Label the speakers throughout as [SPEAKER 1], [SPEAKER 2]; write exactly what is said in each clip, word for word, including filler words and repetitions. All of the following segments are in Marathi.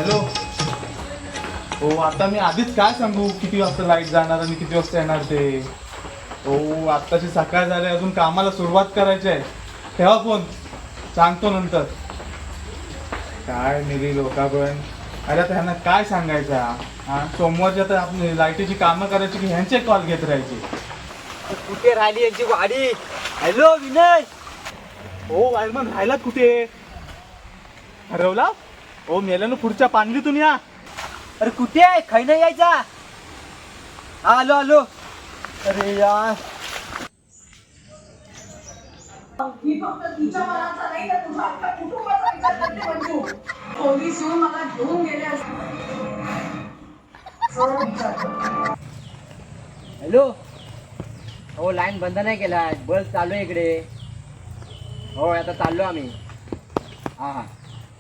[SPEAKER 1] हॅलो. हो आता मी आधीच काय सांगू किती वाजता लाईट जाणार आणि किती वाजता येणार ते. हो आत्ताची सकाळ झाली अजून कामाला सुरुवात करायची आहे. ठेवा फोन सांगतो नंतर. काय मेरी लोका पण अरे आता ह्यांना काय सांगायचा हा सोमवारच्या तर आपली लाईटीची कामं करायची की ह्यांचे कॉल घेत राहायचे.
[SPEAKER 2] कुठे राहिली यांची गाडी. हॅलो विनय.
[SPEAKER 1] हो वायरमन राहिलात कुठे हरवला. हो मेल्यानं पुढच्या पांगलीतून या.
[SPEAKER 2] अरे कुठे आहे खाई नाही यायचा. हा आलो आलो. अरे यार
[SPEAKER 3] ही फक्त तुझ्या मनाचा नाही तर तुझ्या अख्ख्या कुटुंबाचा विचार करते मंजू. पोलीस येऊन मला घेऊन गेले असते. सरळ विचार कर.
[SPEAKER 2] हॅलो. हो लाईन बंद नाही केला बस चालू आहे इकडे. हो आता चाललो आम्ही. हा हा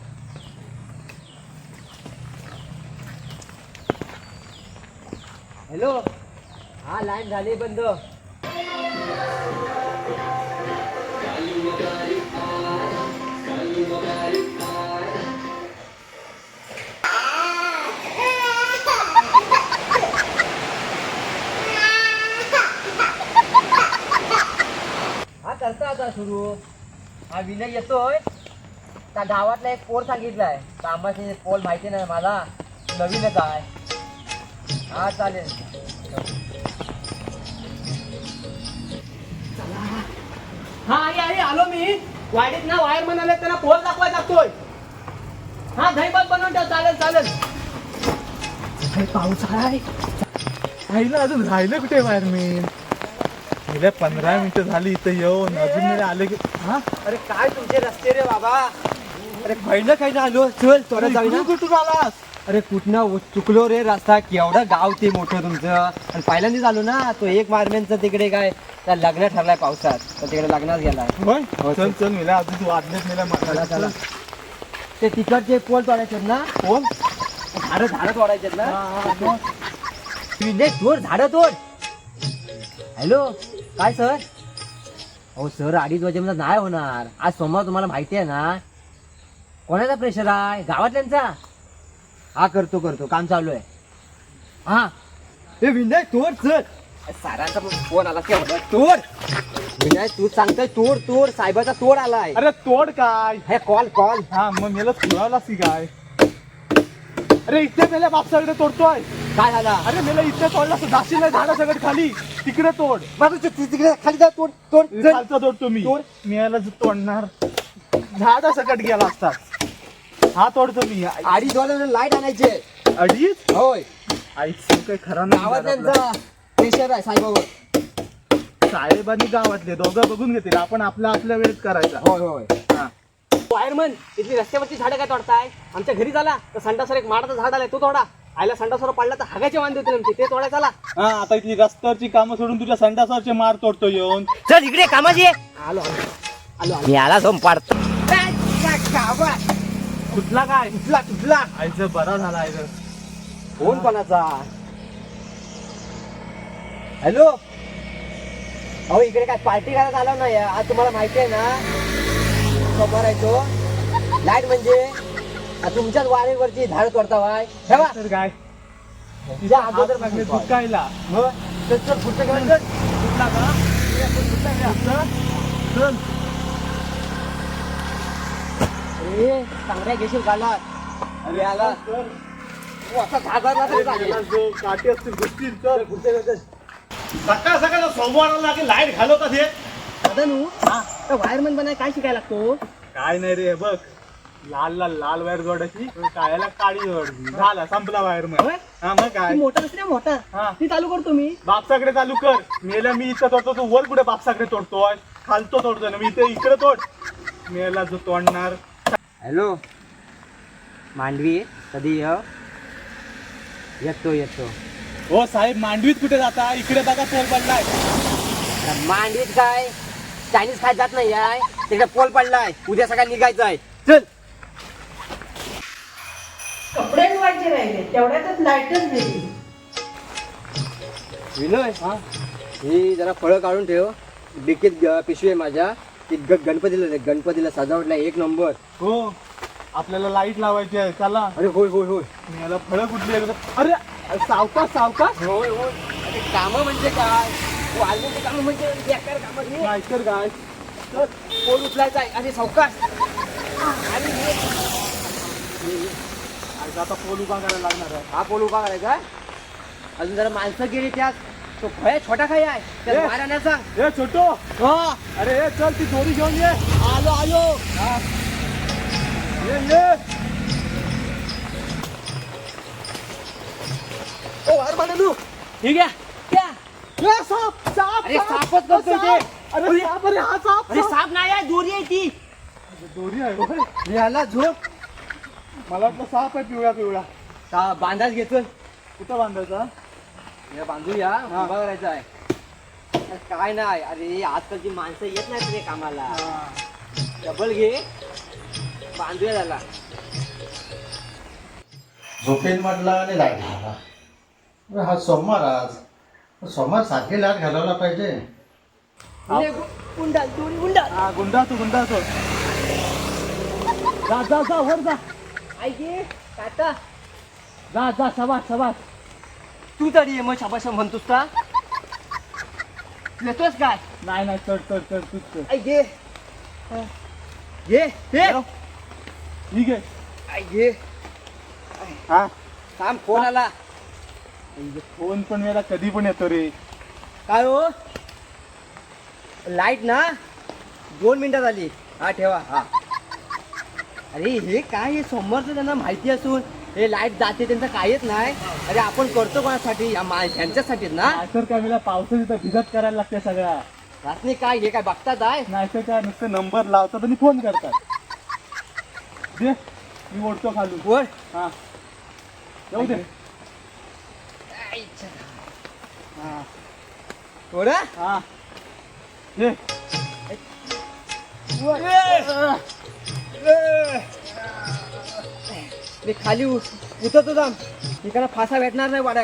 [SPEAKER 2] हॅलो. हा लाईन झाली बंद. हा करता आता सुरू. हा विनय येतोय. त्या गावातला एक पोल सांगितलाय कामाचे पोल माहिती नाही मला नवीनच आहे. हा चालेल.
[SPEAKER 4] हा आई आई आलो मी. वाडीत ना वायरमन आले त्यांना पोल दाखवाय लागतोय. हा दहीबत बनवून ठेव. चालेल चालेल. पाऊस आहे.
[SPEAKER 1] राहिलं अजून राहिलं कुठे वायरमॅन. गेल्या पंधरा मिनिटं झाली इथं येऊन अजून नाही आले की. हा
[SPEAKER 2] अरे काय तुमचे रस्ते रे बाबा. अरे खैन खैन आलो. चल थोडं जाऊया.
[SPEAKER 1] कुठून आलास.
[SPEAKER 2] अरे कुठनं चुकलो रे रस्ता. केवढं गाव ते मोठं तुमचं. आणि पहिल्यांदाच आलो ना. तो एक मारमेनचं तिकडे काय त्या लग्न ठरलाय पावसात तर तिकडे लग्नात गेलाय.
[SPEAKER 1] होय
[SPEAKER 2] हो,
[SPEAKER 1] चल चल मेला अजून तू वाजलेच मेला
[SPEAKER 2] चला चला. ते तिकडचे पोल तोडायचे ना.
[SPEAKER 1] कोण
[SPEAKER 2] झाडं झाडं तोडायचे ना. विनय तोड झाडं तोड. हॅलो काय सर. हो सर अडीच वाजेपर्यंत नाही होणार. आज सोमवार तुम्हाला माहिती आहे ना. कोणाचा प्रेशर आहे गावातल्यांचा. हा करतो करतो काम चालू आहे. हा हे विनय तोड चल. सारांचा फोन आला केवढा तोड. विनय तू सांगतोय तोड तोड. साहेबाचा तोड आलाय.
[SPEAKER 1] अरे तोड काय.
[SPEAKER 2] हे कॉल कॉल.
[SPEAKER 1] हा मग मेला खुळावलास की काय. अरे इथे मेल्या बापसाकडे तोडतोय.
[SPEAKER 2] काय झाला.
[SPEAKER 1] अरे मेला इथे तोडला जाशील नाही झाडा सगळं खाली तिकडे तोड.
[SPEAKER 2] माझं तू तिकडे खाली जा तोड तोड चल.
[SPEAKER 1] खालचा तोडतो मी.
[SPEAKER 2] तोड.
[SPEAKER 1] मेला तोडणार झाडा सकट गेला असतात. हा तोडतो मी.
[SPEAKER 2] अडीच वाजता लाईट आणायचे.
[SPEAKER 1] अडीच
[SPEAKER 2] होय
[SPEAKER 1] आईच काही खरा नाही.
[SPEAKER 2] गावातल्यांचा प्रेशर आहे साहेबावर.
[SPEAKER 1] साहेबांनी गावातले दोघं बघून घेतील. आपण आपल्या आपल्या वेळेत करायचा.
[SPEAKER 2] होय होय.
[SPEAKER 1] हा.
[SPEAKER 4] वायरमन इथली रस्त्यावरची झाडं काय तोडताय. आमच्या घरी झाला तर संडासवर एक माडाचं झाड आलाय तो तोडा. आयला संडासवर पडला तर हागाचे वांदे होते नेमके ते तोडायचा आला.
[SPEAKER 1] हा आता इथली रस्त्यावरची कामं सोडून तुझ्या संडासावरचे मार तोडतो येऊन.
[SPEAKER 2] चल इकडे कामाची आहे.
[SPEAKER 4] आलो आलो आलो आलो.
[SPEAKER 2] मी आला सोम पाडतो.
[SPEAKER 1] कुठला काय
[SPEAKER 2] तुटला तुटला.
[SPEAKER 1] आईचं बरा झाला आईचं.
[SPEAKER 2] फोन कोणाचा. हॅलो. अहो इकडे काय पार्टी करायला आलो नाही आज तुम्हाला माहिती आहे ना. सोमवार आहे तो. लाईट म्हणजे तुमच्याच वारेवरची झाड तोडता वाय ठेवा.
[SPEAKER 1] तर काय
[SPEAKER 2] तुझ्या अगोदर
[SPEAKER 1] लागले दूध कायला.
[SPEAKER 2] हो चल चल पुढचं घेऊन चल.
[SPEAKER 1] कुठला का कुठला चल.
[SPEAKER 2] अरे चांगल्या घेशील गाला. अरे आला असा झाडाला तरी चालेल.
[SPEAKER 1] काठी असतील गोष्टी तर
[SPEAKER 2] पुढचं घेऊन चल.
[SPEAKER 1] सकाळ सकाळ सोमवाराला लागेल लाईट घालवतात हे.
[SPEAKER 4] दादा नू तर वायरमन बनाय काय शिकायला लागतो.
[SPEAKER 1] काय नाही रे बघ लाल लाल लाल वायर जोडायची काळ्याला काळी जोडायची झाला संपला वायर मग.
[SPEAKER 4] होय?
[SPEAKER 1] हा मग काय
[SPEAKER 4] मोटर असते ना मोटर
[SPEAKER 1] हा.
[SPEAKER 4] ती चालू करतो मी.
[SPEAKER 1] बापसाकडे चालू कर. मेला मी इथं तोडतो तू वर कुठे बापसाकडे तोडतोय. खालतो तोडतोय ना मी इथे इकडे तोड. मेला जो तोडणार.
[SPEAKER 2] हॅलो मांडवी कधी ये. येतो येतो.
[SPEAKER 1] हो साहेब मांडवीत कुठे जाता इकडे बघा पोल पडलाय.
[SPEAKER 2] मांडवीत काय चायनीज खायला जात नाही आहे. तिकडे पोल पडलाय. उद्या सकाळी निघायचं आहे. चल.
[SPEAKER 3] कपडे धुवायचे राहिले तेवढ्यातच लाईटच गेली.
[SPEAKER 2] विनय हा ही जरा फळं काढून ठेव. डिकीत ग- पिशवी आहे माझ्या. ती ग- गणपतीला दे. गणपतीला सजावटला एक नंबर.
[SPEAKER 1] हो आपल्याला लाईट लावायची आहे चला.
[SPEAKER 2] अरे होय होय होय
[SPEAKER 1] मी याला फळं कुठली आहे बघा. अरे अरे, सावकाश सावकाश.
[SPEAKER 2] होय होय अरे कामं म्हणजे काय वाळलेले कामं म्हणजे बेकार कामं रे.
[SPEAKER 1] नाहीतर काय.
[SPEAKER 2] तर पोल उचलायचा आहे अरे सावकाश आणि हे-
[SPEAKER 1] आज आता पोल उभा करायला लागणार आहे.
[SPEAKER 2] हा पोल उभा करायचा आहे. अजून जरा माणसं गेली त्यात तो भय छोटा खाई आहे
[SPEAKER 1] ए.
[SPEAKER 2] त्यात मारायला सांग.
[SPEAKER 1] ए छोटो.
[SPEAKER 2] हा
[SPEAKER 1] अरे ए, चल ती दोरी घेऊन ये.
[SPEAKER 2] आलो आलो
[SPEAKER 1] ये ये.
[SPEAKER 2] ओ अरे म्हणू ठीक आहे क्या
[SPEAKER 1] ए, साप साप
[SPEAKER 2] अरे
[SPEAKER 1] साप.
[SPEAKER 2] सापच करतोय ते.
[SPEAKER 1] अरे साप अरे हा साप
[SPEAKER 2] अरे
[SPEAKER 1] साप.
[SPEAKER 2] साप नाही आहे दोरी आहे ती.
[SPEAKER 1] दोरी आहे होय.
[SPEAKER 2] याला झोप
[SPEAKER 1] मला वाटलं साप आहे पिवळा पिवळा.
[SPEAKER 2] का बांधाच घेतो
[SPEAKER 1] कुठं बांधायचा.
[SPEAKER 2] या बांधूया उभा करायचा आहे. अरे काय नाही अरे आजकालची माणसं येत नाहीत रे कामाला. डबल घे बांधूया त्याला.
[SPEAKER 5] झोपेन म्हटला आणि लाईट घाला. अरे हा सोमवार आज सोमवार सारखे लाईट घालायला पाहिजे.
[SPEAKER 2] अरे, गुंडाल दोरी गुंडाल
[SPEAKER 1] हा गुंडा तू गुंडा तो. जा जा जा वर जा.
[SPEAKER 2] ऐके काटा
[SPEAKER 1] जा जा सवास सवास.
[SPEAKER 2] तू तरी ये मग शाबाशा म्हणतोस का येतोस काय
[SPEAKER 1] नाही नाही चढ चढ चढ तूच चढ.
[SPEAKER 2] ऐके घे घे
[SPEAKER 1] ठीक आहे.
[SPEAKER 2] ऐके
[SPEAKER 1] हा
[SPEAKER 2] थांब फोन आला.
[SPEAKER 1] फोन पण मला कधी पण येतो रे.
[SPEAKER 2] काय हो लाईट ना दोन मिनिटात आली. हा ठेवा हा. अरे हे काय हे सोमवारचं त्यांना माहिती असून हे लाईट जाते त्यांचं काहीच नाही. अरे आपण करतो कोणासाठी या मा ह्यांच्यासाठीच ना.
[SPEAKER 1] नाहीतर काय मला पावसाची तर भिजत करायला लागते सगळ्या.
[SPEAKER 2] रात्री काय हे काय बघतात आहे.
[SPEAKER 1] नाहीतर काय नुसतं नंबर लावतात आणि फोन करतात. दे मी ओढतो खालून.
[SPEAKER 2] वर
[SPEAKER 1] हा जाऊ दे. हा
[SPEAKER 2] थोडं
[SPEAKER 1] हा दे.
[SPEAKER 2] मी खाली उ- उतरतो जाम इकडे फासा भेटणार नाही वाडाय.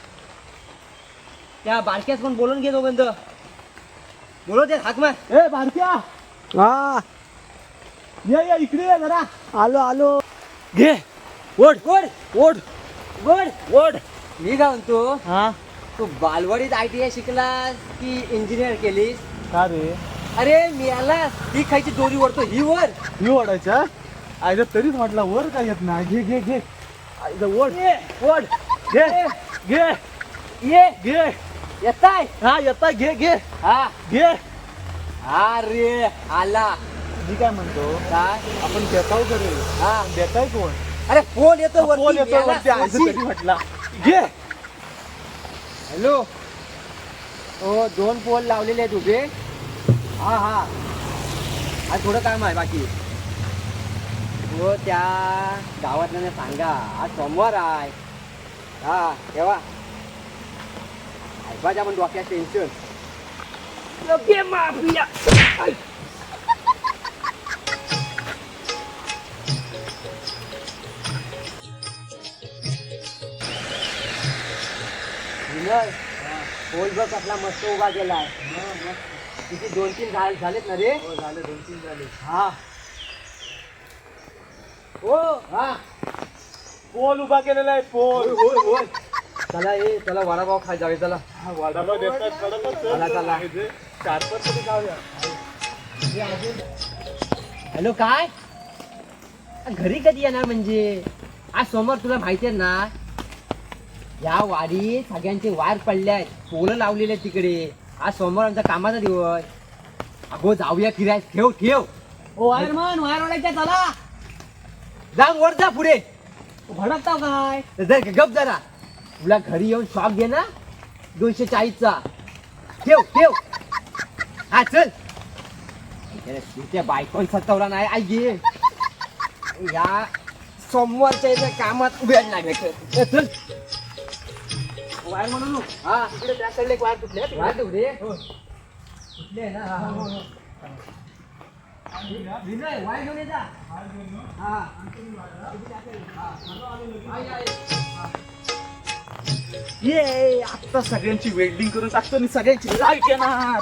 [SPEAKER 2] त्या बारक्यास पण बोलून घे दोघंत बोलव दे हाक मार.
[SPEAKER 1] ए भारत्या
[SPEAKER 2] हा
[SPEAKER 1] ये ये इकडे ये जरा.
[SPEAKER 2] आलो आलो घे ओढ ओढ ओढ ओढ ओढ. मी काय म्हणतो
[SPEAKER 1] हा
[SPEAKER 2] तू बालवाडीत आय टी आय शिकलास की इंजिनियर केलीस.
[SPEAKER 1] का रे
[SPEAKER 2] अरे मी आला ही खायची दोरी ओढतो ही वर.
[SPEAKER 1] ही ओढायच्या. आयला तरीच म्हटलं वर काय येत नाही. घे घे घे. आयला ओढ
[SPEAKER 2] ये, ओढ
[SPEAKER 1] घे घे
[SPEAKER 2] ये
[SPEAKER 1] घे.
[SPEAKER 2] येताय
[SPEAKER 1] हा येता घे घे
[SPEAKER 2] हा
[SPEAKER 1] घे.
[SPEAKER 2] अरे आला
[SPEAKER 1] मी काय म्हणतो
[SPEAKER 2] काय
[SPEAKER 1] आपण बेताव करू.
[SPEAKER 2] हा
[SPEAKER 1] बेताय कोण.
[SPEAKER 2] अरे फोन येतो
[SPEAKER 1] फोन
[SPEAKER 2] वरती,
[SPEAKER 1] येतो
[SPEAKER 2] याला
[SPEAKER 1] वरती. आयचं
[SPEAKER 2] सोडशील.
[SPEAKER 1] तरी म्हटला घे.
[SPEAKER 2] हॅलो हो दोन पोल लावलेले आहेत उभे. हा हा आज थोडं काम आहे बाकी. हो त्या गावातल्या सांगा आज सोमवार आहे. हा तेव्हा ऐकायच्या पण डोक्यात टेन्शन. लगे माफिया. विनय पोल बघ आपला मस्त उभा केलाय. किती दोन तीन झाले झालेत ना रे.
[SPEAKER 1] झाले दोन तीन झाले.
[SPEAKER 2] हा हो हा
[SPEAKER 1] पोल उभा केलेला आहे पोल.
[SPEAKER 2] होय होय होय. चला ये चला वडापाव खाय जावे चला.
[SPEAKER 1] वाडापाव देतात वडापाव चल.
[SPEAKER 2] चला, चला.
[SPEAKER 1] चार पाच तरी खाऊया.
[SPEAKER 2] हॅलो काय घरी कधी येणार म्हणजे आज सोमवार तुला माहिती आहे ना. या वाडीत सगळ्यांचे वायर पडले आहेत. पोलं लावलेले आहेत तिकडे. आज सोमवार आमचा कामाचा दिवस. अगो जाऊया फिराय. ठेव ठेव ओ वायरमन वायर ओढायच्या चला. जा वर जा पुढे भडकताव काय. जर गप जरा तुला घरी येऊन शॉप घे ना दोनशे चाळीसचा. ठेव ठेव हा चल. त्या बायकोन सतवला नाही आई गे. या सोमवारच्या इथे कामात वेळ नाही भेटत. चल वायर म्हणून हा तिकडे त्या साईडला एक वायर तुटले. वायर तुटले तुटले ना. हा, हा, हा. विनय वायर घेऊन ये जा. हा
[SPEAKER 1] ये आता सगळ्यांची वेल्डिंग करून टाकतो आणि सगळ्यांची लाईट येणार.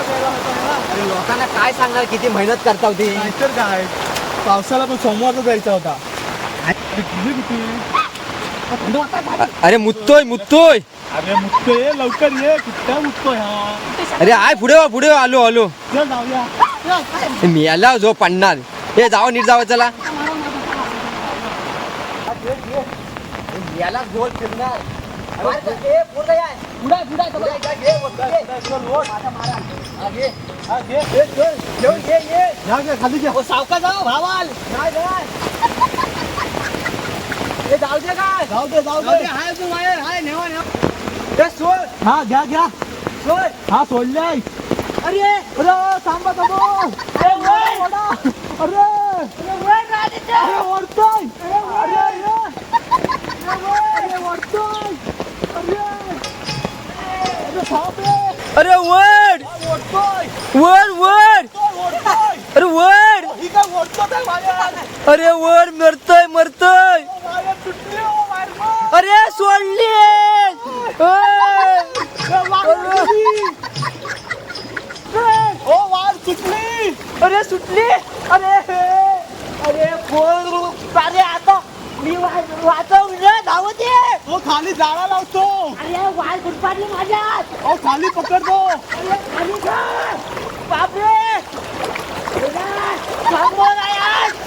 [SPEAKER 2] अरे लोकांना काय सांगणार किती मेहनत करता होती.
[SPEAKER 1] नाहीतर काय पावसाला पण सोमवारचा जायचा होता. अरे तुझे किती
[SPEAKER 2] अरे मुत्तोय मुत्तोय.
[SPEAKER 1] अरे मुक्तो ये लवकर ये कुठल्या मुक्तो ह्या
[SPEAKER 2] अरे आय पुढे वा पुढे वा, आलो आलो.
[SPEAKER 1] चल जाऊया.
[SPEAKER 2] मी आला जो पडणार. हे जावं नीट जावं चला. याला गोल फिरणार.
[SPEAKER 1] खाली घे.
[SPEAKER 4] सावका जाऊ भावाल जाऊ दे काय
[SPEAKER 1] जाऊ दे जाऊ दे.
[SPEAKER 4] हाय तू बाहेर हाय नेवा नेवा
[SPEAKER 1] ए, सोड. हा घ्या घ्या
[SPEAKER 4] सोड.
[SPEAKER 1] हा सोडले.
[SPEAKER 4] अरे
[SPEAKER 1] अरे थांबा थांबा.
[SPEAKER 4] अरे वर.
[SPEAKER 1] ओढा. अरे अरे ओढतोय. अरे अरे अरे ओढतोय. अरे अरे थांब रे.
[SPEAKER 2] अरे वड
[SPEAKER 1] ओढतोय.
[SPEAKER 2] वड वड.
[SPEAKER 1] ओढतोय.
[SPEAKER 2] अरे वड.
[SPEAKER 1] ही काय ओढतोय काय माझ्या.
[SPEAKER 2] अरे वड मरतय मरतय.
[SPEAKER 1] माझ्या सुटली हो मार्ग.
[SPEAKER 2] अरे सोडली.
[SPEAKER 1] ओ वार सुटली.
[SPEAKER 4] अरे सुटली. अरे अरे पोर. अरे आता मी वा- वाचव रे धावत ये.
[SPEAKER 1] तो खाली जाळा लावतो.
[SPEAKER 4] अरे वाल गुडपाडली माझ्यात.
[SPEAKER 1] ओ खाली पकडतो.
[SPEAKER 4] अरे खाली जा. बापरे थांबव ना यार.